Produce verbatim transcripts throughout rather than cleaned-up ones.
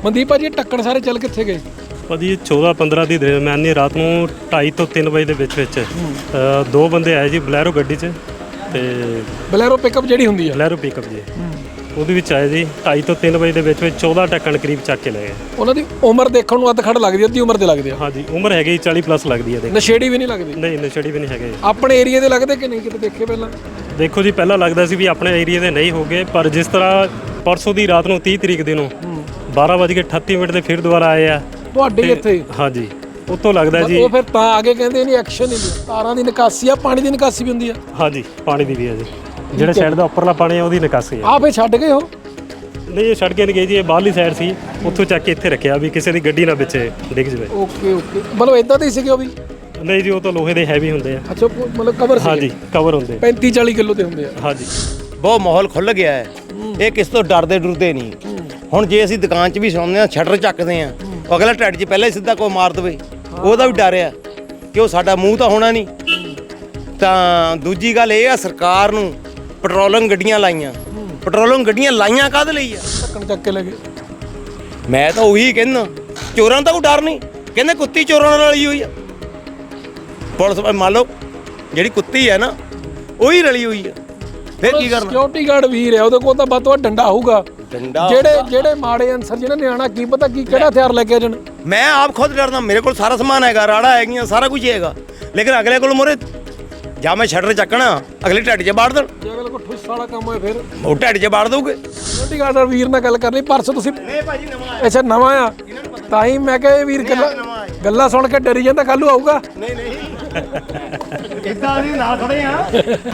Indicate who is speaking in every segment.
Speaker 1: ਮਨਦੀਪ ਭਾਜੀ ਇਹ ਟੱਕਣ ਸਾਰੇ ਚੱਲ ਕਿੱਥੇ ਗਏ?
Speaker 2: ਭਾਜੀ ਚੌਦਾਂ ਪੰਦਰਾਂ ਦੀ ਦਰਮਿਆਨੀ ਰਾਤ ਨੂੰ ਢਾਈ ਤੋਂ ਤਿੰਨ ਵਜੇ ਦੇ ਵਿੱਚ ਵਿੱਚ ਅ, ਦੋ ਬੰਦੇ ਆਏ ਜੀ ਬਲੈਰੋ ਗੱਡੀ 'ਚ ਤੇ
Speaker 1: ਬਲੈਰੋ ਪਿਕਅਪ ਜਿਹੜੀ ਹੁੰਦੀ ਆ
Speaker 2: ਬਲੈਰੋ ਪਿਕਅਪ ਜੀ ਉਹਦੇ ਵਿੱਚ ਆਏ ਜੀ ਢਾਈ ਤੋਂ ਤਿੰਨ ਵਜੇ ਦੇ ਵਿੱਚ ਵਿੱਚ ਚੌਦਾਂ ਟੱਕਣ ਕਰੀਬ ਚੱਕ ਕੇ ਲੈ ਗਏ।
Speaker 1: ਉਹਨਾਂ ਦੀ ਉਮਰ ਦੇਖਣ ਨੂੰ ਅੱਧ ਖੜ ਲੱਗਦੀ, ਅੱਧੀ ਉਮਰ ਦੇ ਲੱਗਦੇ ਆ।
Speaker 2: ਹਾਂਜੀ ਉਮਰ ਹੈਗੀ ਚਾਲੀ ਪਲੱਸ ਲੱਗਦੀ ਹੈ। ਦੇਖ
Speaker 1: ਨਸ਼ੇੜੀ ਵੀ ਨਹੀਂ ਲੱਗਦੀ?
Speaker 2: ਨਹੀਂ ਨਸ਼ੇੜੀ ਵੀ ਨਹੀਂ ਹੈਗੇ।
Speaker 1: ਆਪਣੇ ਏਰੀਆ ਦੇ ਲੱਗਦੇ ਕਿ ਨਹੀਂ ਕਿਤੇ ਦੇਖੇ ਪਹਿਲਾਂ?
Speaker 2: ਦੇਖੋ ਜੀ ਪਹਿਲਾਂ ਲੱਗਦਾ ਸੀ ਵੀ ਆਪਣੇ ਏਰੀਆ ਦੇ ਨਹੀਂ ਹੋਗੇ, ਪਰ ਜਿਸ ਤਰ੍ਹਾਂ ਪਰਸੋਂ ਦੀ ਰਾਤ ਨੂੰ ਤੀਹ ਤਰੀਕ ਦੇ ਨੂੰ ਬਾਰਾਂ ਵੱਜ ਕੇ ਅਠੱਤੀ ਮਿੰਟ ਤੇ ਫਿਰ ਦੁਬਾਰਾ ਆਏ ਆ
Speaker 1: ਤੁਹਾਡੇ ਇੱਥੇ।
Speaker 2: ਹਾਂਜੀ ਉੱਥੋਂ ਲੱਗਦਾ ਜੀ
Speaker 1: ਉਹ ਫਿਰ ਤਾਂ ਆਗੇ ਕਹਿੰਦੇ ਨਹੀਂ ਐਕਸ਼ਨ ਨਹੀਂ ਲਿਆ। ਤਾਰਾਂ ਦੀ ਨਿਕਾਸੀ ਆ, ਪਾਣੀ ਦੀ ਨਿਕਾਸੀ ਵੀ ਹੁੰਦੀ ਆ?
Speaker 2: ਹਾਂਜੀ ਪਾਣੀ ਦੀ ਵੀ ਹੈ ਜੀ, ਜਿਹੜਾ ਸਾਈਡ ਦਾ ਉੱਪਰਲਾ ਪਾਣੀ ਆ ਉਹਦੀ ਨਿਕਾਸੀ ਆ।
Speaker 1: ਆ ਫੇ ਛੱਡ ਗਏ ਹੋ?
Speaker 2: ਨਹੀਂ ਇਹ ਛੱਡ ਕੇ ਨਹੀਂ ਗਏ ਜੀ, ਇਹ ਬਾਹਰਲੀ ਸਾਈਡ ਸੀ, ਉੱਥੋਂ ਚੱਕ ਕੇ ਇੱਥੇ ਰੱਖਿਆ ਵੀ ਕਿਸੇ ਦੀ ਗੱਡੀ ਨਾ ਪਿੱਛੇ ਡਿੱਗ ਜਾਵੇ।
Speaker 1: ਓਕੇ ਓਕੇ ਮਤਲਬ ਇਦਾਂ ਦੇ ਹੀ ਸੀਗੇ ਉਹ ਵੀ?
Speaker 2: ਨਹੀਂ ਜੀ ਉਹ ਤਾਂ ਲੋਹੇ ਦੇ ਹੈਵੀ ਹੁੰਦੇ ਆ।
Speaker 1: ਅੱਛਾ ਮਤਲਬ ਕਵਰ ਸੀ?
Speaker 2: ਹਾਂਜੀ ਕਵਰ ਹੁੰਦੇ
Speaker 1: ਪੈਂਤੀ ਚਾਲੀ ਕਿਲੋ ਦੇ ਹੁੰਦੇ ਆ।
Speaker 2: ਹਾਂਜੀ
Speaker 3: ਬਹੁਤ ਮਾਹੌਲ ਖੁੱਲ੍ਹ ਗਿਆ ਹੈ, ਇਹ ਕਿਸ ਤੋਂ ਡਰਦੇ ਡਰਦੇ ਨਹੀਂ। ਹੁਣ ਜੇ ਅਸੀਂ ਦੁਕਾਨ 'ਚ ਵੀ ਸੌਂਦੇ ਹਾਂ ਸ਼ਟਰ ਚੱਕਦੇ ਹਾਂ, ਅਗਲਾ ਢੱਡ 'ਚ ਪਹਿਲਾਂ ਹੀ ਸਿੱਧਾ ਕੋਈ ਮਾਰ ਦੇਵੇ, ਉਹਦਾ ਵੀ ਡਰ ਆ ਕਿ ਉਹ ਸਾਡਾ ਮੂੰਹ ਤਾਂ ਹੋਣਾ ਨਹੀਂ। ਤਾਂ ਦੂਜੀ ਗੱਲ ਇਹ ਆ ਸਰਕਾਰ ਨੂੰ ਪੈਟਰੋਲਿੰਗ ਗੱਡੀਆਂ ਲਾਈਆਂ, ਪੈਟਰੋਲਿੰਗ ਗੱਡੀਆਂ ਲਾਈਆਂ ਕਾਹਦੇ ਲਈ ਆ?
Speaker 1: ਢੱਕਣ ਚੱਕ ਕੇ ਲੈ ਗਏ।
Speaker 3: ਮੈਂ ਤਾਂ ਉਹੀ ਕਹਿੰਦਾ ਚੋਰਾਂ ਦਾ ਕੋਈ ਡਰ ਨਹੀਂ, ਕਹਿੰਦੇ ਕੁੱਤੀ ਚੋਰਾਂ ਨਾਲ ਰਲੀ ਹੋਈ ਆ। ਪੁਲਿਸ ਮੰਨ ਲਓ ਜਿਹੜੀ ਕੁੱਤੀ ਹੈ ਨਾ ਉਹੀ ਰਲੀ ਹੋਈ ਆ, ਫਿਰ ਕੀ ਕਰਨਾ?
Speaker 1: ਸਿਕਿਉਰਿਟੀ ਗਾਰਡ ਵੀਰ ਹੈ, ਉਹਦੇ ਕੋਲ ਤਾਂ ਵੱਧ ਤੋਂ ਵੱਧ ਡੰਡਾ ਹੋਊਗਾ।
Speaker 3: ਡੰਡਾ
Speaker 1: ਜਿਹੜੇ ਜਿਹੜੇ ਮਾੜੇ ਅਨਸਰ ਜਿਹਨਾਂ ਨੇ ਆਣਾ ਕੀ ਪਤਾ ਕੀ ਕਿਹੜਾ ਹਥਿਆਰ ਲੈ ਕੇ ਆ ਜਾਣ।
Speaker 3: ਮੈਂ ਆਪ ਖੁਦ ਡਰਦਾ, ਮੇਰੇ ਕੋਲ ਸਾਰਾ ਸਮਾਨ ਹੈਗਾ, ਰਾੜਾ ਹੈਗੀਆਂ, ਸਾਰਾ ਕੁਝ ਹੈਗਾ, ਲੇਕਿਨ ਅਗਲੇ ਕੋਲ ਮੋਰੇ ਜਾਂ ਮੈਂ ਸ਼ਟਰ ਚੱਕਣਾ ਅਗਲੇ ਢੱਡ 'ਚ ਬਾੜ ਦੇਣ,
Speaker 1: ਜੇ ਅਗਲੇ ਕੋਲ ਠੁੱਸ ਵਾਲਾ ਕੰਮ ਹੋਏ ਫਿਰ
Speaker 3: ਉਹ ਢੱਡ 'ਚ ਬਾੜ ਦਊਗੇ।
Speaker 1: ਸਿਕਿਉਰਿਟੀ ਗਾਰਡ ਵੀਰ ਨਾਲ ਗੱਲ ਕਰ ਲਈ ਪਰਸੋਂ ਤੁਸੀਂ?
Speaker 3: ਨਹੀਂ ਭਾਜੀ ਨਵਾਂ
Speaker 1: ਅੱਛਾ ਨਵਾਂ ਆ, ਤਾਂ ਹੀ ਮੈਂ ਕਿਹਾ ਇਹ ਵੀਰ ਗੱਲਾਂ ਗੱਲਾਂ ਸੁਣ ਕੇ ਡਰੀ ਜਾਂਦਾ, ਕੱਲ੍ਹ ਨੂੰ ਆਊਗਾ।
Speaker 3: ਨਹੀਂ ਨਹੀਂ ਇਦਾਂ ਅਸੀਂ ਨਾਲ ਖੜੇ ਆ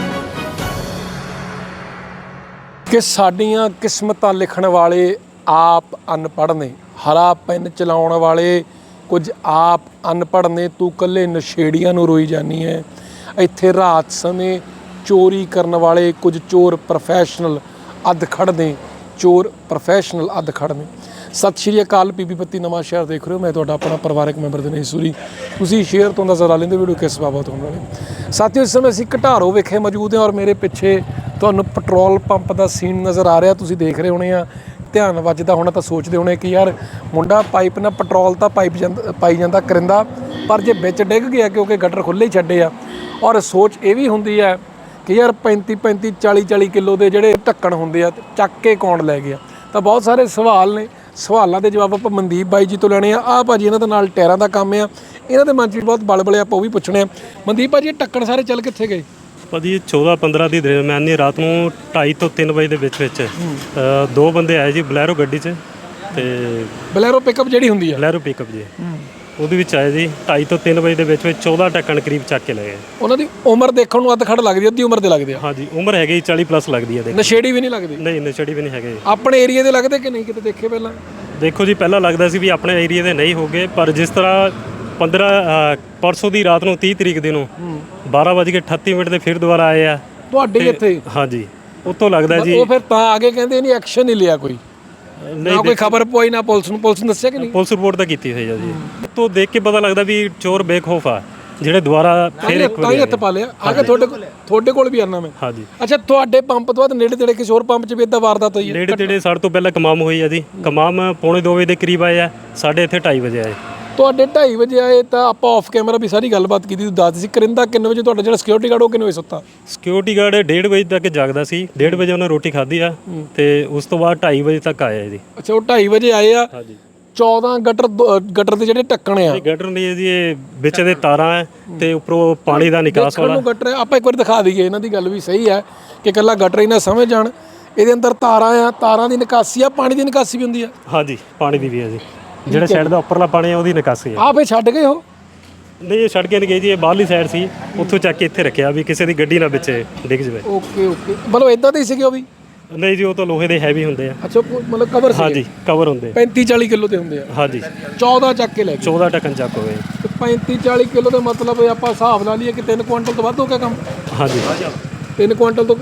Speaker 1: ਕਿ ਸਾਡੀਆਂ ਕਿਸਮਤਾਂ ਲਿਖਣ ਵਾਲੇ ਆਪ ਅਨਪੜ੍ਹ ਨੇ, ਹਰਾ ਪੈਨ ਚਲਾਉਣ ਵਾਲੇ ਕੁਝ ਆਪ ਅਨਪੜ੍ਹ ਨੇ। ਤੂੰ ਇਕੱਲੇ ਨਸ਼ੇੜੀਆਂ ਨੂੰ ਰੋਈ ਜਾਨੀ ਹੈ। ਇੱਥੇ ਰਾਤ ਸਮੇਂ ਚੋਰੀ ਕਰਨ ਵਾਲੇ ਕੁਝ ਚੋਰ ਪ੍ਰੋਫੈਸ਼ਨਲ ਅੱਧ ਖੜ੍ਹ ਨੇ, ਚੋਰ ਪ੍ਰੋਫੈਸ਼ਨਲ ਅੱਧ ਖੜ੍ਹ ਨੇ। ਸਤਿ ਸ਼੍ਰੀ ਅਕਾਲ, ਪੀਪੀ ਬੱਤੀ ਨਵਾਂ ਸ਼ਹਿਰ ਦੇਖ ਰਹੇ ਹੋ। ਮੈਂ ਤੁਹਾਡਾ ਆਪਣਾ ਪਰਿਵਾਰਕ ਮੈਂਬਰ ਦਿਨੇਸ਼ ਸੂਰੀ। ਤੁਸੀਂ ਸ਼ੇਅਰ ਤੋਂ ਅੰਦਾਜ਼ਾ ਲਾ ਲੈਂਦੇ ਵੀਡੀਓ ਕਿਸ ਬਾਬਤ ਹੋਣ ਵਾਲੀ। ਸਾਥੀਓ ਇਸ ਸਮੇਂ ਅਸੀਂ ਘਟਾਰੋ ਵਿਖੇ ਮੌਜੂਦ ਹਾਂ ਔਰ ਮੇਰੇ ਪਿੱਛੇ ਤੁਹਾਨੂੰ ਪੈਟਰੋਲ ਪੰਪ ਦਾ ਸੀਨ ਨਜ਼ਰ ਆ ਰਿਹਾ। ਤੁਸੀਂ ਦੇਖ ਰਹੇ ਹੋਣੇ ਆ, ਧਿਆਨ ਵੱਜਦਾ ਹੋਣਾ ਤਾਂ ਸੋਚਦੇ ਹੋਣੇ ਕਿ ਯਾਰ ਮੁੰਡਾ ਪਾਈਪ ਨਾਲ ਪੈਟਰੋਲ ਤਾਂ ਪਾਈਪ ਜਾਂਦਾ ਪਾਈ ਜਾਂਦਾ ਕਰਿੰਦਾ, ਪਰ ਜੇ ਵਿੱਚ ਡਿੱਗ ਗਿਆ ਕਿਉਂਕਿ ਗਟਰ ਖੁੱਲ੍ਹੇ ਹੀ ਛੱਡੇ ਆ। ਔਰ ਸੋਚ ਇਹ ਵੀ ਹੁੰਦੀ ਹੈ ਕਿ ਯਾਰ ਪੈਂਤੀ ਪੈਂਤੀ ਚਾਲੀ ਚਾਲੀ ਕਿਲੋ ਦੇ ਜਿਹੜੇ ਢੱਕਣ ਹੁੰਦੇ ਆ ਚੱਕ ਕੇ ਕੌਣ ਲੈ ਗਿਆ। ਤਾਂ ਬਹੁਤ ਸਾਰੇ ਸਵਾਲ ਨੇ, ਸਵਾਲਾਂ ਦੇ ਜਵਾਬ ਆਪਾਂ ਮਨਦੀਪ ਬਾਈ ਜੀ ਤੋਂ ਲੈਣੇ ਆ। ਆਹ ਭਾਜੀ ਇਹਨਾਂ ਦੇ ਨਾਲ ਟਾਇਰਾਂ ਦਾ ਕੰਮ ਆ, ਇਹਨਾਂ ਦੇ ਮਨ 'ਚ ਵੀ ਬਹੁਤ ਬਲਬਲੇ, ਆਪਾਂ ਉਹ ਵੀ ਪੁੱਛਣੇ ਆ। ਮਨਦੀਪ ਭਾਜੀ ਇਹ ਢੱਕਣ ਸਾਰੇ ਚੱਲ ਕਿੱਥੇ ਗਏ?
Speaker 2: ਭਾਜੀ ਚੌਦਾਂ ਪੰਦਰਾਂ ਦੀ ਦਰਮਿਆਨੀ ਰਾਤ ਨੂੰ ਢਾਈ ਤੋਂ ਤਿੰਨ ਵਜੇ ਦੇ ਵਿੱਚ ਵਿੱਚ ਅ, ਦੋ ਬੰਦੇ ਆਏ ਜੀ ਬਲੈਰੋ ਗੱਡੀ 'ਚ ਤੇ
Speaker 1: ਬਲੈਰੋ ਪਿਕਅਪ ਜਿਹੜੀ ਹੁੰਦੀ ਆ?
Speaker 2: ਬਲੈਰੋ ਪਿਕਅਪ ਜੀ ਉਹਦੇ ਵਿੱਚ ਆਏ ਜੀ ਢਾਈ ਤੋਂ ਤਿੰਨ ਵਜੇ ਦੇ ਵਿੱਚ ਵਿੱਚ ਚੌਦਾਂ ਟੱਕਣ ਕਰੀਬ ਚੱਕ ਕੇ ਲੈ ਗਏ।
Speaker 1: ਉਹਨਾਂ ਦੀ ਉਮਰ ਦੇਖਣ ਨੂੰ ਅੱਧ ਖੜ ਲੱਗਦੀ, ਅੱਧੀ ਉਮਰ ਦੇ ਲੱਗਦੇ ਆ।
Speaker 2: ਹਾਂਜੀ ਉਮਰ ਹੈਗੀ ਚਾਲੀ ਪਲੱਸ ਲੱਗਦੀ ਹੈ। ਦੇਖ
Speaker 1: ਨਸ਼ੇੜੀ ਵੀ ਨਹੀਂ ਲੱਗਦੀ?
Speaker 2: ਨਹੀਂ ਨਸ਼ੇੜੀ ਵੀ ਨਹੀਂ ਹੈਗੇ।
Speaker 1: ਆਪਣੇ ਏਰੀਆ ਦੇ ਲੱਗਦੇ ਕਿ ਨਹੀਂ ਕਿਤੇ ਦੇਖੇ ਪਹਿਲਾਂ?
Speaker 2: ਦੇਖੋ ਜੀ ਪਹਿਲਾਂ ਲੱਗਦਾ ਸੀ ਵੀ ਆਪਣੇ ਏਰੀਆ ਦੇ ਨਹੀਂ ਹੋਗੇ, ਪਰ ਜਿਸ ਤਰ੍ਹਾਂ ਪੰਦਰਾਂ ਪਰਸੋਂ ਦੀ ਰਾਤ ਨੂੰ ਤੀਹ ਤਰੀਕ ਦੇ ਨੂੰ ਬਾਰਾਂ ਵੱਜ ਕੇ ਅਠੱਤੀ ਮਿੰਟ ਤੇ ਫਿਰ ਦੁਬਾਰਾ ਆਏ ਆ
Speaker 1: ਤੁਹਾਡੇ ਇੱਥੇ।
Speaker 2: ਹਾਂਜੀ ਉੱਥੋਂ ਲੱਗਦਾ ਜੀ
Speaker 1: ਉਹ ਫਿਰ ਤਾਂ ਆਗੇ ਕਹਿੰਦੇ ਨਹੀਂ ਐਕਸ਼ਨ ਨਹੀਂ ਲਿਆ ਕੋਈ, ਨਾ ਕੋਈ ਖਬਰ ਪੋਈ ਨਾ ਪੁਲਿਸ ਨੂੰ। ਪੁਲਿਸ ਨੂੰ ਦੱਸਿਆ ਕਿ ਨਹੀਂ?
Speaker 2: ਪੁਲਿਸ ਰਿਪੋਰਟ ਤਾਂ ਕੀਤੀ ਹੋਈ ਆ ਜੀ। ਤੋਂ ਦੇਖ ਕੇ ਪਤਾ ਲੱਗਦਾ ਵੀ ਚੋਰ ਬੇਖੌਫ ਆ, ਜਿਹੜੇ ਦੁਬਾਰਾ ਫਿਰ ਇੱਕ
Speaker 1: ਤਾਂ ਹੀ ਹੱਥ ਪਾ ਲਿਆ। ਆਗੇ ਤੁਹਾਡੇ ਕੋਲ ਤੁਹਾਡੇ ਕੋਲ ਵੀ ਆਣਾ ਮੈਂ।
Speaker 2: ਹਾਂਜੀ
Speaker 1: ਅੱਛਾ ਤੁਹਾਡੇ ਪੰਪ ਤੋਂ ਬਾਅਦ ਨੇੜੇ ਤੇੜੇ ਕਿਸੇ ਹੋਰ ਪੰਪ 'ਚ ਵੀ ਇਦਾਂ ਵਾਰਦਾਤ ਹੋਈ ਹੈ?
Speaker 2: ਨੇੜੇ ਤੇੜੇ ਸਾਡੇ ਤੋਂ ਪਹਿਲਾਂ ਕਮਾਮ ਹੋਈ ਆ ਜੀ। ਕਮਾਮ ਪੌਣੇ ਦੋ ਵਜੇ ਦੇ ਕਰੀਬ ਆਏ ਆ, ਸਾਡੇ ਇੱਥੇ ਢਾਈ ਵਜੇ ਆਏ।
Speaker 1: ਤੁਹਾਡੇ ਢਾਈ ਵਜੇ ਆਏ ਤਾਂ ਆਪਾਂ ਆਫ ਕੈਮਰਾ ਵੀ ਸਾਰੀ ਗੱਲਬਾਤ ਕੀਤੀ। ਤੂੰ ਦੱਸ ਸੀ ਕਰਿੰਦਾ ਕਿੰਨੇ ਵਜੇ ਤੁਹਾਡਾ ਜਿਹੜਾ ਸਿਕਿਉਰਿਟੀ ਗਾਰਡ ਉਹ ਕਿੰਨੇ ਵਜੇ ਸੁੱਤਾ?
Speaker 2: ਸਿਕਿਉਰਿਟੀ ਗਾਰਡ ਡੇਢ ਵਜੇ ਤੱਕ ਜਾਗਦਾ ਸੀ, ਡੇਢ ਵਜੇ ਉਹਨੇ ਰੋਟੀ ਖਾਧੀ ਆ ਤੇ ਉਸ ਤੋਂ ਬਾਅਦ ਢਾਈ ਵਜੇ ਤੱਕ ਆਇਆ ਜੀ।
Speaker 1: ਅੱਛਾ ਉਹ ਢਾਈ ਵਜੇ ਆਏ ਆ।
Speaker 2: ਹਾਂਜੀ
Speaker 1: ਚੌਦਾਂ ਗਟਰ ਗਟਰ ਦੇ ਜਿਹੜੇ ਢੱਕਣ ਆ?
Speaker 2: ਗਟਰ ਨਹੀਂ ਜੀ, ਇਹ ਵਿੱਚ ਦੇ ਤਾਰਾਂ ਹੈ ਤੇ ਉੱਪਰੋਂ ਪਾਣੀ ਦਾ ਨਿਕਾਸ ਵਾਲਾ
Speaker 1: ਗਟਰ ਆਪਾਂ ਇੱਕ ਵਾਰ ਦਿਖਾ ਦਈਏ। ਇਹਨਾਂ ਦੀ ਗੱਲ ਵੀ ਸਹੀ ਹੈ ਕਿ ਇਕੱਲਾ ਗਟਰ ਹੀ ਨਾ ਸਮਝ ਜਾਣ, ਇਹਦੇ ਅੰਦਰ ਤਾਰਾਂ ਆ, ਤਾਰਾਂ ਦੀ ਨਿਕਾਸੀ ਆ, ਪਾਣੀ ਦੀ ਨਿਕਾਸੀ ਵੀ ਹੁੰਦੀ ਆ?
Speaker 2: ਹਾਂਜੀ ਪਾਣੀ ਦੀ ਵੀ ਹੈ ਜੀ, ਜਿਹੜਾ ਸਾਈਡ ਦਾ ਉੱਪਰਲਾ ਪਾਣੀ ਆ ਉਹਦੀ ਨਿਕਾਸੀ ਆ।
Speaker 1: ਆ ਫੇ ਛੱਡ ਗਏ ਹੋ?
Speaker 2: ਨਹੀਂ ਇਹ ਛੱਡ ਕੇ ਨਹੀਂ ਗਏ ਜੀ, ਇਹ ਬਾਹਰਲੀ ਸਾਈਡ ਸੀ, ਉੱਥੋਂ ਚੱਕ ਕੇ ਇੱਥੇ ਰੱਖਿਆ ਵੀ ਕਿਸੇ ਦੀ ਗੱਡੀ ਨਾ ਪਿੱਛੇ ਡਿੱਗ ਜਾਵੇ।
Speaker 1: ਓਕੇ ਓਕੇ ਮਤਲਬ ਇਦਾਂ ਦੇ ਹੀ ਸੀਗੇ ਉਹ ਵੀ?
Speaker 2: ਨਹੀਂ ਜੀ ਉਹ ਤਾਂ ਲੋਹੇ ਦੇ ਹੈਵੀ ਹੁੰਦੇ ਆ।
Speaker 1: ਅੱਛਾ ਮਤਲਬ ਕਵਰ ਸੀ?
Speaker 2: ਹਾਂਜੀ ਕਵਰ ਹੁੰਦੇ
Speaker 1: ਪੈਂਤੀ ਚਾਲੀ ਕਿਲੋ ਦੇ ਹੁੰਦੇ ਆ?
Speaker 2: ਹਾਂਜੀ
Speaker 1: ਚੌਦਾਂ ਚੱਕ ਕੇ ਲੈ ਗਏ।
Speaker 2: ਚੌਦਾਂ ਟੱਕਣ ਚੱਕ ਹੋ ਗਏ।
Speaker 1: ਤੇ ਪੈਂਤੀ ਚਾਲੀ ਕਿਲੋ ਦਾ ਮਤਲਬ ਆਪਾਂ ਹਿਸਾਬ ਲਾ ਲਈਏ ਕਿ ਤਿੰਨ ਕੁਆਂਟਲ ਤੋਂ ਵੱਧ ਹੋ ਗਿਆ ਕੰਮ?
Speaker 2: ਹਾਂਜੀ
Speaker 1: ਤਿੰਨ ਕੁਆਂਟਲ ਤੋਂ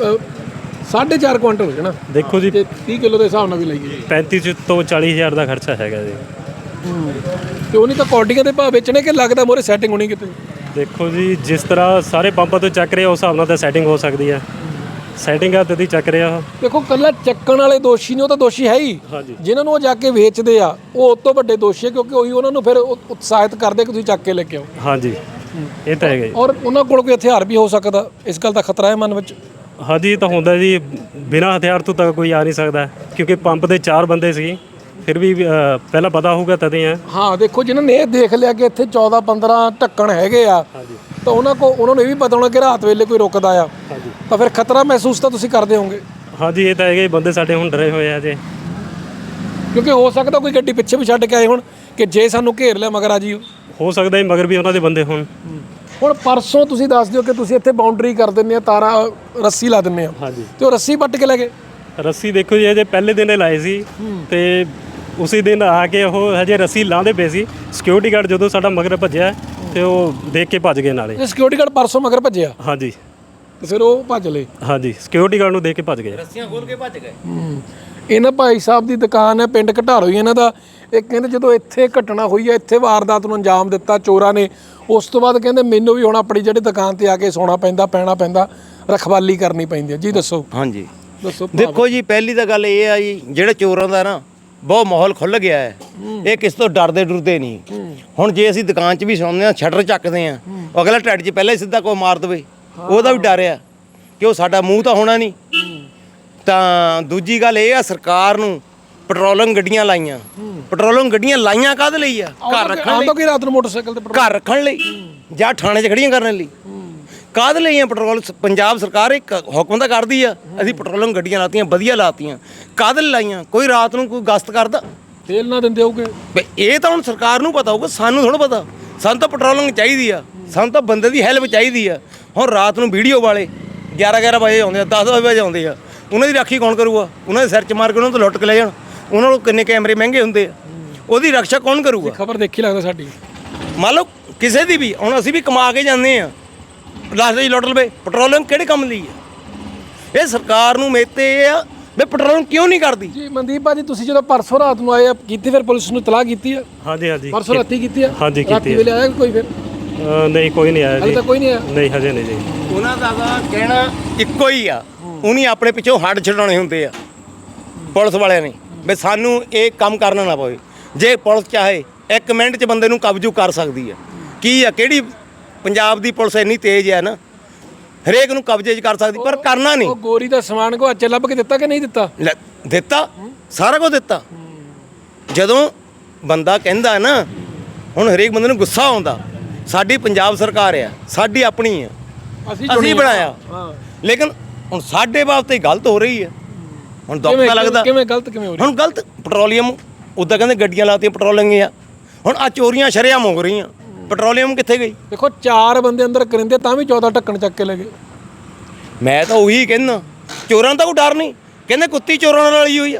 Speaker 1: ਸਾਢੇ ਚਾਰ ਕੁਆਂਟਲ ਹੋ ਜਾਣਾ।
Speaker 2: ਦੇਖੋ ਜੀ
Speaker 1: ਤੇ ਤੀਹ ਕਿਲੋ ਦੇ ਹਿਸਾਬ ਨਾਲ ਵੀ ਲਈਏ
Speaker 2: ਪੈਂਤੀ ਤੋਂ ਚਾਲੀ ਹਜ਼ਾਰ ਦਾ ਖਰਚਾ ਹੈਗਾ ਜੀ।
Speaker 1: ਤੇ ਉਹ ਨਹੀਂ ਤਾਂ ਕੌਡੀਆਂ ਦੇ ਭਾਅ ਵੇਚਣੇ ਕਿ ਲੱਗਦਾ ਮੋਰੇ ਸੈਟਿੰਗ ਹੋਣੀ ਕਿਤੇ?
Speaker 2: ਦੇਖੋ ਜੀ ਜਿਸ ਤਰ੍ਹਾਂ ਸਾਰੇ ਪੰਪਾਂ ਤੋਂ ਚੱਕ ਰਹੇ ਉਸ ਹਿਸਾਬ ਨਾਲ ਤਾਂ ਸੈਟਿੰਗ ਹੋ ਸਕਦੀ ਹੈ। ਸੈਟਿੰਗ ਆ ਤਦੀ ਚੱਕ ਰਿਹਾ ਉਹ।
Speaker 1: ਦੇਖੋ ਕੱਲਾ ਚੱਕਣ ਵਾਲੇ ਦੋਸ਼ੀ ਨੇ, ਉਹ ਤਾਂ ਦੋਸ਼ੀ ਹੈ ਹੀ।
Speaker 2: ਹਾਂਜੀ।
Speaker 1: ਜਿਨ੍ਹਾਂ ਨੂੰ ਉਹ ਜਾ ਕੇ ਵੇਚਦੇ ਆ ਉਹ ਉਸ ਤੋਂ ਵੱਡੇ ਦੋਸ਼ੀ ਹੈ, ਕਿਉਂਕਿ ਉਹੀ ਉਹਨਾਂ ਨੂੰ ਫਿਰ ਉ- ਉਤਸ਼ਾਹਿਤ ਕਰਦੇ ਕਿ ਤੁਸੀਂ ਚੱਕ ਕੇ ਲੈ ਕੇ ਆਓ।
Speaker 2: ਹਾਂਜੀ ਇਹ ਤਾਂ ਹੈਗਾ ਜੀ।
Speaker 1: ਔਰ ਉਹਨਾਂ ਕੋਲ ਕੋਈ ਹਥਿਆਰ ਵੀ ਹੋ ਸਕਦਾ, ਇਸ ਗੱਲ ਦਾ ਖਤਰਾ ਹੈ ਮਨ ਵਿੱਚ।
Speaker 2: ਹਾਂਜੀ ਇਹ ਤਾਂ ਹੁੰਦਾ ਜੀ, ਬਿਨਾਂ ਹਥਿਆਰ ਤੋਂ ਤਾਂ ਕੋਈ ਆ ਨਹੀਂ ਸਕਦਾ, ਕਿਉਂਕਿ ਪੰਪ ਦੇ ਚਾਰ ਬੰਦੇ ਸੀ। ਫਿਰ ਵੀ ਅ, ਪਹਿਲਾਂ ਪਤਾ ਹੋਊਗਾ ਤਦੇ ਆ।
Speaker 1: ਹਾਂ ਦੇਖੋ ਜਿਨ੍ਹਾਂ ਨੇ ਇਹ ਦੇਖ ਲਿਆ ਕਿ ਇੱਥੇ ਚੌਦਾਂ ਪੰਦਰਾਂ ਢੱਕਣ ਹੈਗੇ ਆ, ਤਾਂ ਉਹਨਾਂ ਕੋ ਉਹਨਾਂ ਨੂੰ ਇਹ ਵੀ ਪਤਾ ਹੋਣਾ ਕਿ ਰਾਤ ਵੇਲੇ ਕੋਈ ਰੁਕਦਾ ਆ, ਤਾਂ ਫਿਰ ਖਤਰਾ ਮਹਿਸੂਸ ਤਾਂ ਤੁਸੀਂ ਕਰਦੇ ਹੋਵੋਗੇ।
Speaker 2: ਹਾਂਜੀ ਇਹ ਤਾਂ ਹੈਗਾ ਜੀ, ਬੰਦੇ ਸਾਡੇ ਹੁਣ ਡਰੇ ਹੋਏ ਆ ਜੇ।
Speaker 1: ਕਿਉਂਕਿ ਹੋ ਸਕਦਾ ਕੋਈ ਗੱਡੀ ਪਿੱਛੇ ਵੀ ਛੱਡ ਕੇ ਆਏ ਹੁਣ ਕਿ ਜੇ ਸਾਨੂੰ ਘੇਰ ਲਿਆ ਮਗਰ ਆ ਜੀ।
Speaker 2: ਹੋ ਸਕਦਾ ਜੀ ਮਗਰ ਵੀ ਉਹਨਾਂ ਦੇ ਬੰਦੇ ਹੋਣ।
Speaker 1: ਹੁਣ ਪਰਸੋਂ ਤੁਸੀਂ ਦੱਸ ਦਿਓ ਕਿ ਤੁਸੀਂ ਇੱਥੇ ਬਾਉਂਡਰੀ ਕਰ ਦਿੰਦੇ ਆ, ਤਾਰਾਂ ਰੱਸੀ ਲਾ ਦਿੰਦੇ ਆ,
Speaker 2: ਹਾਂਜੀ
Speaker 1: ਤੇ ਉਹ ਰੱਸੀ ਪੱਟ ਕੇ ਲੈ ਗਏ।
Speaker 2: ਰੱਸੀ ਦੇਖੋ ਜੀ, ਇਹਦੇ ਪਹਿਲੇ ਦਿਨ ਇਹ ਲਾਏ ਸੀ ਤੇ ਉਸੇ ਦਿਨ ਆ ਕੇ ਉਹ ਹਜੇ ਰੱਸੀ ਲਾਉਂਦੇ ਪਏ ਸੀ। ਸਿਕਿਉਰਿਟੀ ਗਾਰਡ ਜਦੋਂ ਸਾਡਾ ਮਗਰ ਭੱਜਿਆ ਤੇ ਉਹ ਦੇਖ ਕੇ ਭੱਜ ਗਏ ਨਾਲੇ।
Speaker 1: ਇਹ ਸਿਕਿਉਰਿਟੀ ਗਾਰਡ ਪਰਸੋਂ ਮਗਰ ਭੱਜਿਆ
Speaker 2: ਹਾਂਜੀ
Speaker 1: ਤੇ ਫਿਰ ਉਹ ਭੱਜ ਲਏ।
Speaker 2: ਹਾਂਜੀ ਸਿਕਿਉਰਿਟੀ ਗਾਰਡ ਨੂੰ ਦੇਖ ਕੇ ਭੱਜ ਗਏ।
Speaker 3: ਰੱਸੀਆਂ ਖੋਲ ਕੇ ਭੱਜ ਗਏ।
Speaker 1: ਇਹਨਾਂ ਭਾਈ ਸਾਹਿਬ ਦੀ ਦੁਕਾਨ ਹੈ ਪਿੰਡ ਘਟਾਰੋ ਹੀ ਇਹਨਾਂ ਦਾ। ਇਹ ਕਹਿੰਦੇ ਜਦੋਂ ਇੱਥੇ ਘਟਨਾ ਹੋਈ ਹੈ, ਇੱਥੇ ਵਾਰਦਾਤ ਨੂੰ ਅੰਜਾਮ ਦਿੱਤਾ ਚੋਰਾਂ ਨੇ, ਉਸ ਤੋਂ ਬਾਅਦ ਕਹਿੰਦੇ ਮੈਨੂੰ ਵੀ ਹੁਣ ਆਪਣੀ ਜਿਹੜੀ ਦੁਕਾਨ ਤੇ ਆ ਕੇ ਸੌਣਾ ਪੈਂਦਾ, ਪੈਣਾ ਪੈਂਦਾ, ਰਖਵਾਲੀ ਕਰਨੀ ਪੈਂਦੀ ਹੈ। ਜੀ ਦੱਸੋ
Speaker 3: ਹਾਂਜੀ
Speaker 1: ਦੱਸੋ।
Speaker 3: ਦੇਖੋ ਜੀ, ਪਹਿਲੀ ਤਾਂ ਗੱਲ ਇਹ ਆ ਜੀ, ਜਿਹੜੇ ਚੋਰਾਂ ਦਾ ਨਾ ਬਹੁਤ ਮਾਹੌਲ ਖੁੱਲ ਗਿਆ ਹੈ। ਇਹ ਕਿਸ ਤੋਂ ਡਰਦੇ ਡਰਦੇ ਨਹੀਂ। ਹੁਣ ਜੇ ਅਸੀਂ ਦੁਕਾਨ 'ਚ ਵੀ ਸੌਂਦੇ ਆ, ਸ਼ਟਰ ਚੱਕਦੇ ਆ, ਅਗਲਾ ਢੱਡ 'ਚ ਪਹਿਲਾਂ ਹੀ ਸਿੱਧਾ ਕੋਈ ਮਾਰ ਦੇਵੇ, ਉਹਦਾ ਵੀ ਡਰ ਆ ਕਿ ਉਹ ਸਾਡਾ ਮੂੰਹ ਤਾਂ ਹੋਣਾ ਨਹੀਂ। ਤਾਂ ਦੂਜੀ ਗੱਲ ਇਹ ਆ, ਸਰਕਾਰ ਨੂੰ ਪੈਟਰੋਲਿੰਗ ਗੱਡੀਆਂ ਲਾਈਆਂ। ਪੈਟਰੋਲਿੰਗ ਗੱਡੀਆਂ ਲਾਈਆਂ ਕਾਹਦੇ ਲਈ ਆ? ਘਰ ਰੱਖਣ ਲਈ।
Speaker 1: ਆਉਂਦਾ ਕਿ ਰਾਤ ਨੂੰ ਮੋਟਰਸਾਈਕਲ ਤੇ
Speaker 3: ਘਰ ਰੱਖਣ ਲਈ ਜਾਂ ਥਾਣੇ 'ਚ ਖੜੀਆਂ ਕਰਨ ਲਈ। ਕਾਹਦੇ ਲਈ ਆ ਪੈਟਰੋਲ? ਪੰਜਾਬ ਸਰਕਾਰ ਇੱਕ ਹੁਕਮ ਤਾਂ ਕਰਦੀ ਆ, ਅਸੀਂ ਪੈਟਰੋਲਿੰਗ ਗੱਡੀਆਂ ਲਾਤੀਆਂ, ਵਧੀਆ ਲਾਤੀਆਂ। ਕਾਹਦੇ ਲਈ ਲਾਈਆਂ? ਕੋਈ ਰਾਤ ਨੂੰ ਕੋਈ ਗਸ਼ਤ ਕਰਦਾ?
Speaker 1: ਤੇਲ ਨਾ ਦਿੰਦੇ ਹੋਗੇ।
Speaker 3: ਬਈ ਇਹ ਤਾਂ ਹੁਣ ਸਰਕਾਰ ਨੂੰ ਪਤਾ ਹੋਊਗਾ, ਸਾਨੂੰ ਥੋੜ੍ਹਾ ਪਤਾ। ਸਾਨੂੰ ਤਾਂ ਪੈਟਰੋਲਿੰਗ ਚਾਹੀਦੀ ਆ, ਸਾਨੂੰ ਤਾਂ ਬੰਦੇ ਦੀ ਹੈਲਪ ਚਾਹੀਦੀ ਆ। ਹੁਣ ਰਾਤ ਨੂੰ ਵੀਡੀਓ ਵਾਲੇ ਗਿਆਰਾਂ ਗਿਆਰਾਂ ਵਜੇ ਆਉਂਦੇ ਆ, ਦਸ ਦਸ ਵਜੇ ਆਉਂਦੇ ਆ, ਉਹਨਾਂ ਦੀ ਰਾਖੀ ਕੌਣ ਕਰੂਗਾ? ਉਹਨਾਂ ਦੇ ਸਿਰ 'ਚ ਮਾਰ ਕੇ ਉਹਨਾਂ ਤੋਂ ਲੁੱਟ ਕੇ ਲੈ ਜਾਣ। ਉਹਨਾਂ ਨੂੰ ਕਿੰਨੇ ਕੈਮਰੇ ਮਹਿੰਗੇ ਹੁੰਦੇ ਆ, ਉਹਦੀ ਰੱਖਿਆ ਕੌਣ ਕਰੂਗਾ?
Speaker 1: ਖਬਰ ਦੇਖੀ ਲੱਗਦਾ ਸਾਡੀ।
Speaker 3: ਮੰਨ ਲਓ ਕਿਸੇ ਦੀ ਵੀ, ਹੁਣ ਅਸੀਂ ਵੀ ਕਮਾ ਕੇ ਜਾਂਦੇ ਆ, ਲਾਸਟ 'ਚ ਲੁੱਟ ਲਵੇ। ਪੈਟਰੋਲਿੰਗ ਕਿਹੜੇ ਕੰਮ ਲਈ ਆ? ਇਹ ਸਰਕਾਰ ਨੂੰ ਮੇਤੇ ਇਹ ਆ ਵੀ ਪੈਟਰੋਲਿੰਗ ਕਿਉਂ ਨਹੀਂ ਕਰਦੀ?
Speaker 1: ਜੀ ਮਨਦੀਪ ਭਾਜੀ, ਤੁਸੀਂ ਜਦੋਂ ਪਰਸੋਂ ਰਾਤ ਨੂੰ ਆਏ ਆ, ਕੀਤੀ ਫਿਰ ਪੁਲਿਸ ਨੂੰ ਇਤਲਾਹ ਕੀਤੀ ਆ?
Speaker 2: ਹਾਂਜੀ ਹਾਂਜੀ
Speaker 1: ਪਰਸੋਂ ਰਾਤੀ ਕੀਤੀ ਆ?
Speaker 2: ਹਾਂਜੀ, ਕੀਤੀ
Speaker 1: ਰਾਤੀ
Speaker 2: ਆ।
Speaker 1: ਵੇਲੇ ਆਇਆ ਕੋਈ ਫਿਰ?
Speaker 2: ਅ, ਨਹੀਂ ਕੋਈ ਨਹੀਂ ਆਇਆ
Speaker 1: ਹਾਲੇ
Speaker 2: ਜੀ।
Speaker 1: ਤਾਂ ਕੋਈ ਨਹੀਂ ਆਇਆ।
Speaker 2: ਨਹੀਂ ਹਜੇ ਨਹੀਂ ਜੀ।
Speaker 3: ਉਹਨਾਂ ਦਾ ਤਾਂ ਕਹਿਣਾ ਇੱਕੋ ਹੀ ਆ, ਉਹਨੀ ਆਪਣੇ ਪਿੱਛੋਂ ਹੱਡ ਛਡਾਉਣੇ ਹੁੰਦੇ ਆ ਪੁਲਿਸ ਵਾਲਿਆਂ ਨੇ, ਵੀ ਸਾਨੂੰ ਇਹ ਕੰਮ ਕਰਨਾ ਨਾ ਪਵੇ। ਜੇ ਪੁਲਿਸ ਚਾਹੇ ਇੱਕ ਮਿੰਟ 'ਚ ਬੰਦੇ ਨੂੰ ਕਬਜ਼ੂ ਕਰ ਸਕਦੀ ਆ। ਕੀ ਆ, ਕਿਹੜੀ ਪੰਜਾਬ ਦੀ ਪੁਲਿਸ ਇੰਨੀ ਤੇਜ਼ ਆ ਨਾ, ਹਰੇਕ ਨੂੰ ਕਬਜ਼ੇ 'ਚ ਕਰ ਸਕਦੀ, ਪਰ ਕਰਨਾ ਨਹੀਂ।
Speaker 1: ਉਹ ਗੋਰੀ ਦਾ ਸਮਾਨ ਕੋ ਅੱਛੇ ਲੱਭ ਕੇ ਦਿੱਤਾ ਕਿ ਨਹੀਂ ਦਿੱਤਾ?
Speaker 3: ਲੈ, ਦਿੱਤਾ, ਸਾਰਾ ਕੁਝ ਦਿੱਤਾ। ਜਦੋਂ ਬੰਦਾ ਕਹਿੰਦਾ ਨਾ, ਹੁਣ ਹਰੇਕ ਬੰਦੇ ਨੂੰ ਗੁੱਸਾ ਆਉਂਦਾ। ਸਾਡੀ ਪੰਜਾਬ ਸਰਕਾਰ ਆ, ਸਾਡੀ ਆਪਣੀ ਆ, ਅਸੀਂ ਬਣਾਇਆ, ਲੇਕਿਨ ਹੁਣ ਸਾਡੇ ਬਾਬਤ ਹੀ ਗਲਤ ਹੋ ਰਹੀ ਹੈ। ਹੁਣ ਦੁੱਖ ਤਾਂ ਲੱਗਦਾ।
Speaker 1: ਕਿਵੇਂ ਗਲਤ ਕਿਵੇਂ ਹੋ ਰਹੀ?
Speaker 3: ਹੁਣ ਗਲਤ ਪੈਟਰੋਲੀਅਮ, ਉੱਦਾਂ ਕਹਿੰਦੇ ਗੱਡੀਆਂ ਲਾਤੀਆਂ ਪੈਟਰੋਲਿੰਗ ਆ, ਹੁਣ ਆ ਚੋਰੀਆਂ ਸ਼ਰੇਆਮ ਹੋ ਰਹੀਆਂ। ਪੈਟਰੋਲੀਅਮ ਕਿੱਥੇ ਗਈ?
Speaker 1: ਦੇਖੋ ਚਾਰ ਬੰਦੇ ਅੰਦਰ ਕਰਿੰਦੇ ਤਾਂ ਵੀ ਚੌਦਾਂ ਢੱਕਣ ਚੱਕ ਕੇ ਲੈ ਗਏ।
Speaker 3: ਮੈਂ ਤਾਂ ਉਹੀ ਕਹਿੰਦਾ, ਚੋਰਾਂ ਦਾ ਕੋਈ ਡਰ ਨਹੀਂ। ਕਹਿੰਦੇ ਕੁੱਤੀ ਚੋਰਾਂ ਨਾਲ ਰਲੀ ਹੋਈ ਆ।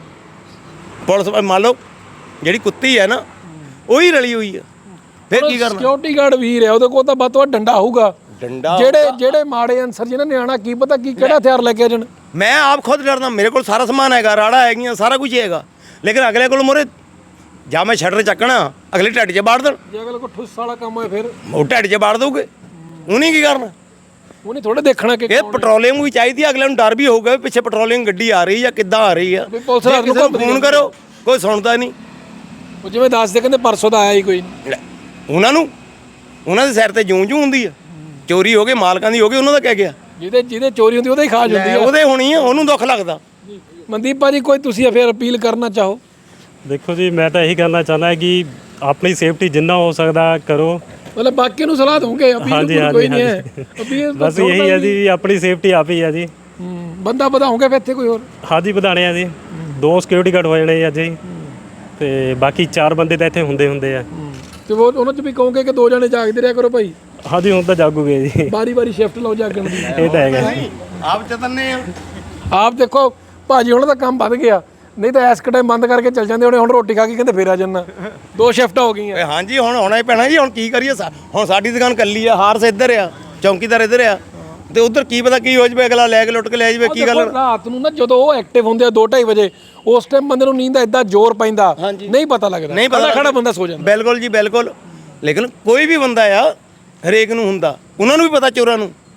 Speaker 3: ਪੁਲਿਸ ਮੰਨ ਲਓ ਜਿਹੜੀ ਕੁੱਤੀ ਹੈ ਨਾ, ਉਹੀ ਰਲੀ ਹੋਈ ਆ, ਫਿਰ ਕੀ ਕਰਨਾ?
Speaker 1: ਸਿਕਿਉਰਿਟੀ ਗਾਰਡ ਵੀਰ ਹੈ, ਉਹਦੇ ਕੋਲ ਤਾਂ ਵੱਧ ਤੋਂ ਵੱਧ ਡੰਡਾ ਹੋਊਗਾ।
Speaker 3: ਡੰਡਾ
Speaker 1: ਜਿਹੜੇ ਜਿਹੜੇ ਮਾੜੇ ਅਨਸਰ ਜਿਹਨਾਂ ਨੇ ਆਣਾ, ਕੀ ਪਤਾ ਕੀ ਕਿਹੜਾ ਹਥਿਆਰ ਲੈ ਕੇ ਆ ਜਾਣ।
Speaker 3: ਮੈਂ ਆਪ ਖੁਦ ਡਰਦਾ। ਮੇਰੇ ਕੋਲ ਸਾਰਾ ਸਮਾਨ ਹੈਗਾ, ਰਾੜਾ ਹੈਗੀਆਂ, ਸਾਰਾ ਕੁਝ ਹੈਗਾ, ਲੇਕਿਨ ਅਗਲੇ ਕੋਲ ਮੋਰੇ ਜਾਂ ਮੈਂ ਸ਼ਟਰ ਚੱਕਣਾ, ਅਗਲੇ ਢੱਡ 'ਚ ਬਾੜ ਦੇਣ।
Speaker 1: ਜੇ ਅਗਲੇ ਕੋ ਠੁੱਸ ਵਾਲਾ ਕੰਮ ਹੋਏ ਫਿਰ
Speaker 3: ਉਹ ਢੱਡ 'ਚ ਬਾੜ ਦਊਗੇ, ਉਹਨੇ ਕੀ ਕਰਨਾ?
Speaker 1: ਉਹਨੇ ਥੋੜੇ ਦੇਖਣਾ ਕਿ
Speaker 3: ਇਹ ਪੈਟਰੋਲਿੰਗ ਵੀ ਚਾਹੀਦੀ ਆ, ਅਗਲੇ ਨੂੰ ਡਰ ਵੀ ਹੋਊਗਾ ਵੀ ਪਿੱਛੇ ਪੈਟਰੋਲਿੰਗ ਗੱਡੀ ਆ ਰਹੀ ਆ, ਕਿੱਦਾਂ ਆ ਰਹੀ ਆ।
Speaker 1: ਵੀ ਪੁਲਿਸ ਵਾਲਿਆਂ ਨੂੰ
Speaker 3: ਕਿਸੇ ਨੂੰ ਫੋਨ ਕਰੋ, ਕੋਈ ਸੁਣਦਾ ਨਹੀਂ।
Speaker 1: ਉਹ ਜਿਵੇਂ ਦੱਸਦੇ ਕਹਿੰਦੇ ਪਰਸੋਂ ਦਾ ਆਇਆ ਹੀ ਕੋਈ ਨਹੀਂ।
Speaker 3: ਲੈ, ਉਹਨਾਂ ਨੂੰ ਉਹਨਾਂ ਦੇ ਸਿਰ ਤੇ ਜੂੰ ਜੂੰ ਹੁੰਦੀ ਆ। ਚੋਰੀ ਹੋ ਗਈ, ਮਾਲਕਾਂ ਦੀ ਹੋ ਗਈ, ਉਹਨਾਂ ਦਾ ਕਹਿ ਗਿਆ।
Speaker 1: ਜਿਹਦੇ ਜਿਹਦੇ ਚੋਰੀ ਹੁੰਦੀ ਉਹਦਾ ਹੀ ਖਾਜ ਹੁੰਦੀ ਆ।
Speaker 3: ਉਹਦੇ ਹੋਣੀ ਆ, ਉਹਨੂੰ ਦੁੱਖ ਲੱਗਦਾ।
Speaker 1: ਮਨਦੀਪ ਭਾਜੀ, ਕੋਈ ਤੁਸੀਂ ਫਿਰ ਅਪੀਲ ਕਰਨਾ ਚਾਹੋ?
Speaker 2: ਦੇਖੋ ਜੀ, ਮੈਂ ਤਾਂ ਇਹੀ ਕਰਨਾ ਚਾਹੁੰਦਾ ਕਿ ਆਪਣੀ ਸੇਫਟੀ ਜਿੰਨਾ ਹੋ ਸਕਦਾ ਕਰੋ।
Speaker 1: ਮਤਲਬ ਬਾਕੀ ਨੂੰ ਸਲਾਹ ਦਊਂਗੇ, ਅਪੀਲ
Speaker 2: ਹਾਂਜੀ
Speaker 1: ਕੋਈ
Speaker 2: ਹਾਂਜੀ
Speaker 1: ਨਹੀਂ ਹੈ।
Speaker 2: ਹਾਂਜੀ
Speaker 1: ਅਪੀਲ
Speaker 2: ਬਸ ਇਹੀ ਹੈ ਜੀ, ਆਪਣੀ ਸੇਫਟੀ ਆਪ ਹੀ ਹੈ ਜੀ।
Speaker 1: ਹੂੰ, ਬੰਦਾ ਵਧਾਉਂਗੇ ਫਿਰ ਇੱਥੇ ਕੋਈ ਹੋਰ?
Speaker 2: ਹਾਂਜੀ ਵਧਾਣੇ ਆ ਜੀ, ਦੋ ਸਿਕਿਉਰਿਟੀ ਗਾਰਡ ਹੋ ਜਾਣੇ ਅੱਜ ਜੀ, ਤੇ ਬਾਕੀ ਚਾਰ ਬੰਦੇ ਤਾਂ ਇੱਥੇ ਹੁੰਦੇ ਹੁੰਦੇ ਆ।
Speaker 1: ਤੇ ਉਹ ਉਹਨਾਂ 'ਚ ਵੀ ਕਹੋਗੇ ਕਿ ਦੋ ਜਣੇ ਜਾਗਦੇ ਰਿਹਾ ਕਰੋ ਭਾਈ।
Speaker 2: ਹਾਂਜੀ ਹੁਣ ਤਾਂ ਜਾਗੂਗੇ ਜੀ,
Speaker 1: ਬਾਰੀ ਬਾਰੀ ਸ਼ਿਫਟ ਲਓ ਜਾਗਣ ਦੀ।
Speaker 2: ਇਹ ਤਾਂ ਹੈਗਾ ਜੀ।
Speaker 3: ਆਪ ਚਤਨੇ ਆ।
Speaker 1: ਆਪ ਦੇਖੋ ਭਾਜੀ, ਹੁਣ ਤਾਂ ਕੰਮ ਵੱਧ ਗਿਆ, ਨਹੀਂ ਤਾਂ ਐਸ ਟਾਈਮ ਬੰਦ ਕਰਕੇ ਚੱਲ ਜਾਂਦੇ ਹੋਣੇ। ਹੁਣ ਰੋਟੀ ਖਾ ਕੇ ਕਹਿੰਦੇ ਫੇਰ ਆ ਜਾਣਾ। ਦੋ ਸ਼ਿਫਟਾਂ ਹੋ ਗਈਆਂ।
Speaker 3: ਹਾਂਜੀ ਹੁਣ ਆਉਣਾ ਹੀ ਪੈਣਾ ਜੀ। ਹੁਣ ਕੀ ਕਰੀਏ? ਹੁਣ ਸਾਡੀ ਦੁਕਾਨ ਕੱਲੀ ਆ, ਹਾਰਸ ਇੱਧਰ ਆ, ਚੌਂਕੀਦਾਰ ਇੱਧਰ ਆ, ਤੇ ਉਧਰ ਕੀ ਪਤਾ ਕੀ ਹੋ ਜਵੇ, ਅਗਲਾ ਲੈ ਕੇ ਲੁੱਟ ਕੇ ਲੈ ਜਾਵੇ। ਕੀ ਗੱਲ?
Speaker 1: ਰਾਤ ਨੂੰ ਨਾ ਜਦੋਂ ਉਹ ਐਕਟਿਵ ਹੁੰਦੇ ਆ ਦੋ ਢਾਈ ਵਜੇ, ਉਸ ਟਾਈਮ ਬੰਦੇ ਨੂੰ ਨੀਂਦ ਦਾ ਏਦਾਂ ਜ਼ੋਰ ਪੈਂਦਾ, ਨਹੀਂ ਪਤਾ ਲੱਗਦਾ।
Speaker 3: ਨਹੀਂ ਪਤਾ,
Speaker 1: ਖੜਾ ਬੰਦਾ ਸੋ ਜਾਂਦਾ।
Speaker 3: ਬਿਲਕੁਲ ਜੀ ਬਿਲਕੁਲ। ਲੇਕਿਨ ਕੋਈ ਵੀ ਬੰਦਾ ਆ, ਹਰੇਕ ਨੂੰ ਹੁੰਦਾ। ਉਹਨਾਂ ਨੂੰ ਵੀ ਪਤਾ ਚੋਰਾਂ ਨੂੰ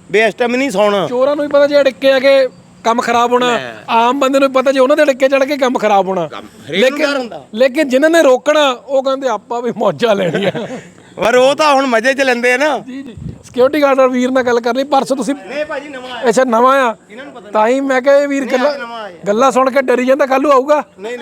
Speaker 3: ਵੀ ਇਸ ਟਾਈਮ ਨਹੀਂ ਸੌਣਾ।
Speaker 1: ਚੋਰਾਂ ਨੂੰ ਵੀ ਪਤਾ ਜੇ ਅੜਿੱਕੇ ਆ ਕੇ ਕੰਮ ਖਰਾਬ ਹੋਣਾ, ਆਮ ਬੰਦੇ ਨੂੰ ਵੀ ਪਤਾ ਜੇ ਉਹਨਾਂ ਦੇ ਅੜਿੱਕੇ ਚੜ ਕੇ ਕੰਮ ਖਰਾਬ ਹੋਣਾ। ਲੇਕਿਨ ਲੇਕਿਨ ਜਿਨ੍ਹਾਂ ਨੇ ਰੋਕਣਾ ਉਹ ਕਹਿੰਦੇ ਆਪਾਂ ਵੀ ਮੌਜਾਂ ਲੈਣੀਆਂ।
Speaker 3: ਪਰ ਉਹ ਤਾਂ ਹੁਣ ਮਜ਼ੇ 'ਚ ਲੈਂਦੇ ਆ ਨਾ।
Speaker 1: ਜੀ ਜੀ ਸਿਕਿਉਰਿਟੀ ਗਾਰਡ ਵੀਰ ਨਾਲ ਗੱਲ ਕਰ ਲਈ ਪਰਸੋਂ ਤੁਸੀਂ।
Speaker 3: ਨਹੀਂ ਭਾਜੀ ਨਵਾਂ ਆਇਆ।
Speaker 1: ਅੱਛਾ ਨਵਾਂ ਆ, ਤਾਂ ਹੀ ਮੈਂ ਕਿਹਾ ਇਹ ਵੀਰ ਗੱਲਾਂ ਗੱਲਾਂ ਸੁਣ ਕੇ ਡਰੀ ਜਾਂਦਾ ਕੱਲ੍ਹ ਨੂੰ ਆਊਗਾ।
Speaker 3: ਨਹੀਂ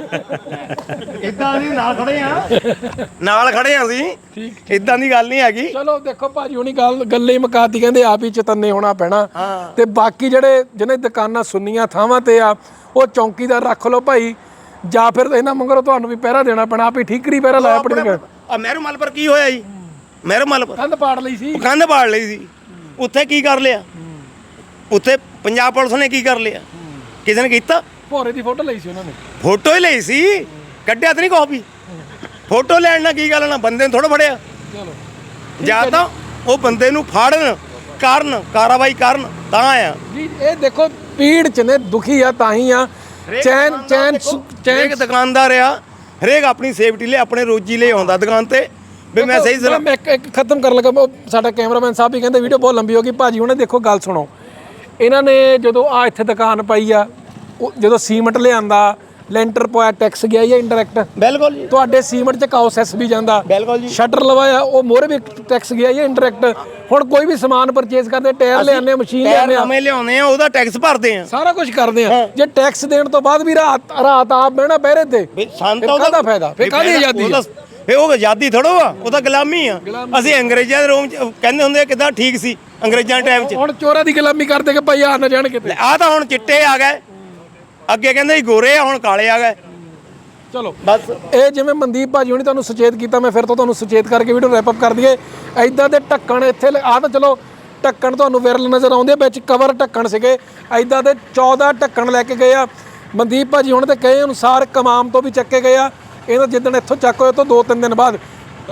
Speaker 3: ਨਹੀਂ ਇਦਾਂ ਅਸੀਂ ਨਾਲ ਖੜੇ ਆ, ਨਾਲ ਖੜੇ ਆ ਅਸੀਂ, ਇਦਾਂ ਦੀ ਗੱਲ ਨਹੀਂ ਹੈਗੀ।
Speaker 1: ਚਲੋ ਦੇਖੋ ਭਾਜੀ ਹੁਣੀ ਗੱਲ ਗੱਲੇ ਹੀ ਮੁਕਾਤੀ, ਕਹਿੰਦੇ ਆਪ ਹੀ ਚਤੰਨੇ ਹੋਣਾ ਪੈਣਾ। ਤੇ ਬਾਕੀ ਜਿਹੜੇ ਜਿਹਨੇ ਦੁਕਾਨਾਂ ਸੁੰਨੀਆਂ ਥਾਵਾਂ ਤੇ ਆ ਉਹ ਚੌਂਕੀਦਾਰ ਰੱਖ ਲਓ ਭਾਈ, ਜਾਂ ਫਿਰ ਇਹਨਾਂ ਮੰਗਰੋਂ ਤੁਹਾਨੂੰ ਵੀ ਪਹਿਰਾ ਦੇਣਾ ਪੈਣਾ। ਆਪ ਹੀ ਠੀਕਰੀ ਪਹਿਰਾ ਲਾਇਆ ਆਪਣੀ ਦੁਕਾਨ।
Speaker 3: ਆ ਮਹਿਰੂ ਮਲ ਪਰ ਕੀ ਹੋਇਆ ਜੀ? ਮਹਿਰੂ ਮਲ ਪਰ
Speaker 1: ਕੰਧ ਪਾੜ ਲਈ ਸੀ,
Speaker 3: ਕੰਧ ਪਾੜ ਲਈ ਸੀ। ਉੱਥੇ ਕੀ ਕਰ ਲਿਆ? ਉੱਥੇ ਪੰਜਾਬ ਪੁਲਿਸ ਨੇ ਕੀ ਕਰ ਲਿਆ? ਕਿਸੇ ਨੇ ਕੀਤਾ?
Speaker 1: ਭੋਰੇ ਦੀ ਫੋਟੋ ਲਈ ਸੀ ਉਹਨਾਂ ਨੇ।
Speaker 3: ਫੋਟੋ ਹੀ ਲਈ ਸੀ, ਕੱਢਿਆ ਤਾਂ ਨਹੀਂ ਕਾਪੀ। ਫੋਟੋ ਲੈਣ ਨਾਲ ਕੀ ਗੱਲ ਨਾ, ਬੰਦੇ ਨੂੰ ਥੋੜਾ ਫੜਿਆ।
Speaker 1: ਚਲੋ
Speaker 3: ਜਾਂ ਤਾਂ ਉਹ ਬੰਦੇ ਨੂੰ ਫੜਨ ਕਰਨ, ਕਾਰਵਾਈ ਕਰਨ ਤਾਂ ਆ
Speaker 1: ਜੀ। ਇਹ ਦੇਖੋ ਪੀੜ ਚ ਨੇ, ਦੁਖੀ ਆ ਤਾਂ ਹੀ ਆ। ਚੈਨ ਚੈਨ
Speaker 3: ਹਰੇਕ ਦੁਕਾਨਦਾਰ ਆ, ਹਰੇਕ ਆਪਣੀ ਸੇਫਟੀ ਲਈ ਆਪਣੇ ਰੋਜੀ ਲਈ ਆਉਂਦਾ ਦੁਕਾਨ ਤੇ ਵੀ ਮੈਂ ਸਹੀ ਸਲਾਮ।
Speaker 1: ਮੈਂ ਇੱਕ ਇੱਕ ਖਤਮ ਕਰਨ ਲੱਗਾ, ਸਾਡਾ ਕੈਮਰਾਮੈਨ ਸਾਹਿਬ ਵੀ ਕਹਿੰਦੇ ਵੀਡੀਓ ਬਹੁਤ ਲੰਬੀ ਹੋ ਗਈ। ਭਾਜੀ ਉਹਨੇ ਦੇਖੋ ਗੱਲ ਸੁਣੋ, ਇਹਨਾਂ ਨੇ ਜਦੋਂ ਆ ਇੱਥੇ ਦੁਕਾਨ ਪਾਈ ਆ, ਉਹ ਜਦੋਂ ਸੀਮੈਂਟ ਲਿਆਂਦਾ, ਲੈਂਟਰ ਪਾਇਆ, ਟੈਕਸ ਗਿਆ ਜਾਂ ਇੰਡਾਇਰੈਕਟ?
Speaker 3: ਬਿਲਕੁਲ ਜੀ।
Speaker 1: ਤੁਹਾਡੇ ਸੀਮੈਂਟ 'ਚ ਕਾਉਸੈਸ ਵੀ ਜਾਂਦਾ,
Speaker 3: ਬਿਲਕੁਲ ਜੀ।
Speaker 1: ਸ਼ਟਰ ਲਵਾਇਆ ਉਹ ਮੋਹਰੇ ਵੀ ਟੈਕਸ ਗਿਆ ਜਾਂ ਇੰਡਾਇਰੈਕਟ? ਹੁਣ ਕੋਈ ਵੀ ਸਮਾਨ ਪਰਚੇਸ ਕਰਦੇ, ਟਾਇਰ ਲਿਆਉਂਦੇ, ਮਸ਼ੀਨ ਲਿਆਉਂਦੇ ਆ,
Speaker 3: ਨਵੇਂ ਲਿਆਉਂਦੇ ਆ, ਉਹਦਾ ਟੈਕਸ ਭਰਦੇ ਆ,
Speaker 1: ਸਾਰਾ ਕੁਝ ਕਰਦੇ ਆ। ਜੇ ਟੈਕਸ ਦੇਣ ਤੋਂ ਬਾਅਦ ਵੀ ਰਾਤ ਰਾਤ ਆਪ ਬਹਿਣਾ ਪਹਿਰੇ ਤੇ,
Speaker 3: ਸਾਨੂੰ
Speaker 1: ਕਾਹਦਾ ਫਾਇਦਾ? ਫਿਰ ਕਾਹਦੀ ਆਜ਼ਾਦੀ ਆ?
Speaker 3: ਫੇ ਉਹ ਆਜ਼ਾਦੀ ਥੋੜੋ ਆ, ਉਹ ਤਾਂ ਗੁਲਾਮੀ ਆ। ਅਸੀਂ ਅੰਗਰੇਜ਼ਾਂ ਦੇ ਰੋਮ ਚ ਕਹਿੰਦੇ ਹੁੰਦੇ ਕਿਦਾਂ ਠੀਕ ਸੀ ਅੰਗਰੇਜ਼ਾਂ ਦੇ ਟਾਈਮ 'ਚ।
Speaker 1: ਹੁਣ ਚੋਰਾਂ ਦੀ ਗੁਲਾਮੀ ਕਰਦੇ ਕਿ ਭਾਈ ਆ ਨਾ ਜਾਣ ਕਿਤੇ।
Speaker 3: ਆ ਤਾਂ ਹੁਣ ਚਿੱਟੇ ਆ ਗਏ, ਅੱਗੇ ਕਹਿੰਦੇ ਸੀ ਗੋਰੇ ਆ, ਹੁਣ ਕਾਲੇ ਆ ਗਏ।
Speaker 1: ਚਲੋ
Speaker 3: ਬਸ
Speaker 1: ਇਹ ਜਿਵੇਂ ਮਨਦੀਪ ਭਾਜੀ ਹੁਣੀ ਤੁਹਾਨੂੰ ਸੁਚੇਤ ਕੀਤਾ, ਮੈਂ ਫਿਰ ਤੋਂ ਤੁਹਾਨੂੰ ਸੁਚੇਤ ਕਰਕੇ ਵੀਡੀਓ ਰੈਪ ਅਪ ਕਰ ਦਈਏ। ਐਦਾਂ ਦੇ ਢੱਕਣ ਇੱਥੇ ਆ ਤਾਂ ਚਲੋ ਢੱਕਣ ਤੁਹਾਨੂੰ ਵਿਰਲ ਨਜ਼ਰ ਆਉਂਦੇ, ਵਿੱਚ ਕਵਰ ਢੱਕਣ ਸੀਗੇ। ਐਦਾਂ ਦੇ ਚੌਦਾਂ ਢੱਕਣ ਲੈ ਕੇ ਗਏ ਆ ਮਨਦੀਪ ਭਾਜੀ ਹੁਣ ਤੇ ਕਹੇ ਅਨੁਸਾਰ ਕਮਾਮ ਤੋਂ ਵੀ ਚੱਕੇ ਗਏ ਆ। ਇਹਨਾਂ ਜਿੱਦਣ ਇੱਥੋਂ ਚੱਕ ਹੋਏ ਤੋਂ ਦੋ ਤਿੰਨ ਦਿਨ ਬਾਅਦ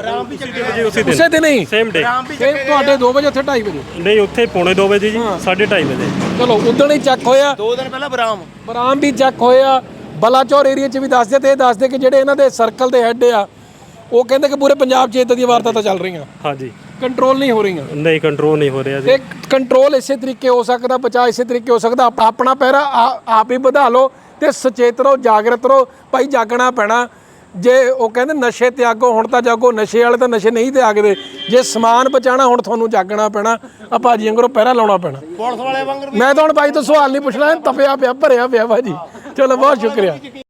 Speaker 1: ਉਸੇ ਦਿਨ ਹੀ
Speaker 2: ਸੇਮ ਡੇ
Speaker 1: ਤੁਹਾਡੇ ਦੋ ਵਜੇ ਉੱਥੇ ਢਾਈ ਵਜੇ
Speaker 2: ਨਹੀਂ, ਉੱਥੇ ਪੌਣੇ ਦੋ ਵਜੇ ਜੀ, ਸਾਢੇ ਢਾਈ ਵਜੇ।
Speaker 1: ਚਲੋ ਉਦਣ ਹੀ ਚੱਕ ਹੋਇਆ,
Speaker 3: ਦੋ ਦਿਨ ਪਹਿਲਾਂ ਬਰਾਮ
Speaker 1: ਬਰਾਮ ਵੀ ਚੱਕ ਹੋਇਆ। ਬਲਾਚੌਰ ਏਰੀਆ 'ਚ ਵੀ ਦੱਸਦੇ, ਤੇ ਇਹ ਦੱਸਦੇ ਕਿ ਜਿਹੜੇ ਇਹਨਾਂ ਦੇ ਸਰਕਲ ਦੇ ਹੈੱਡ ਆ ਉਹ ਕਹਿੰਦੇ ਕਿ ਪੂਰੇ ਪੰਜਾਬ 'ਚ ਇਦਾਂ ਦੀਆਂ ਵਾਰਦਾਤਾਂ ਚੱਲ ਰਹੀਆਂ,
Speaker 2: ਹਾਂਜੀ,
Speaker 1: ਕੰਟਰੋਲ ਨਹੀਂ ਹੋ ਰਹੀਆਂ।
Speaker 2: ਨਹੀਂ ਕੰਟਰੋਲ ਨਹੀਂ ਹੋ ਰਿਹਾ ਜੀ।
Speaker 1: ਤੇ ਕੰਟਰੋਲ ਇਸੇ ਤਰੀਕੇ ਹੋ ਸਕਦਾ, ਬਚਾਅ ਇਸੇ ਤਰੀਕੇ ਹੋ ਸਕਦਾ। ਆਪ- ਆਪਣਾ ਪਹਿਰਾ ਆ- ਆਪ ਹੀ ਵਧਾ ਲਓ ਤੇ ਸੁਚੇਤ ਰਹੋ, ਜਾਗਰਤ ਰਹੋ। ਭਾਈ ਜਾਗਣਾ ਪੈਣਾ। ਜੇ ਉਹ ਕਹਿੰਦੇ ਨਸ਼ੇ ਤਿਆਗੋ, ਹੁਣ ਤਾਂ ਜਾਗੋ। ਨਸ਼ੇ ਵਾਲੇ ਤਾਂ ਨਸ਼ੇ ਨਹੀਂ ਤਿਆਗਦੇ। ਜੇ ਸਮਾਨ ਬਚਾਉਣਾ ਹੁਣ ਤੁਹਾਨੂੰ ਜਾਗਣਾ ਪੈਣਾ। ਆ ਭਾਜੀ ਅੰਗਰੋਂ ਪਹਿਰਾ ਲਾਉਣਾ ਪੈਣਾ।
Speaker 3: ਪੁਲਿਸ ਵਾਲੇ ਵਾਂਗਰ
Speaker 1: ਮੈਂ ਤਾਂ ਹੁਣ ਭਾਈ ਤੋਂ ਸਵਾਲ ਨਹੀਂ ਪੁੱਛਣਾ, ਤਪਿਆ ਪਿਆ, ਭਰਿਆ ਪਿਆ ਭਾਜੀ। ਚਲੋ ਬਹੁਤ ਸ਼ੁਕਰੀਆ।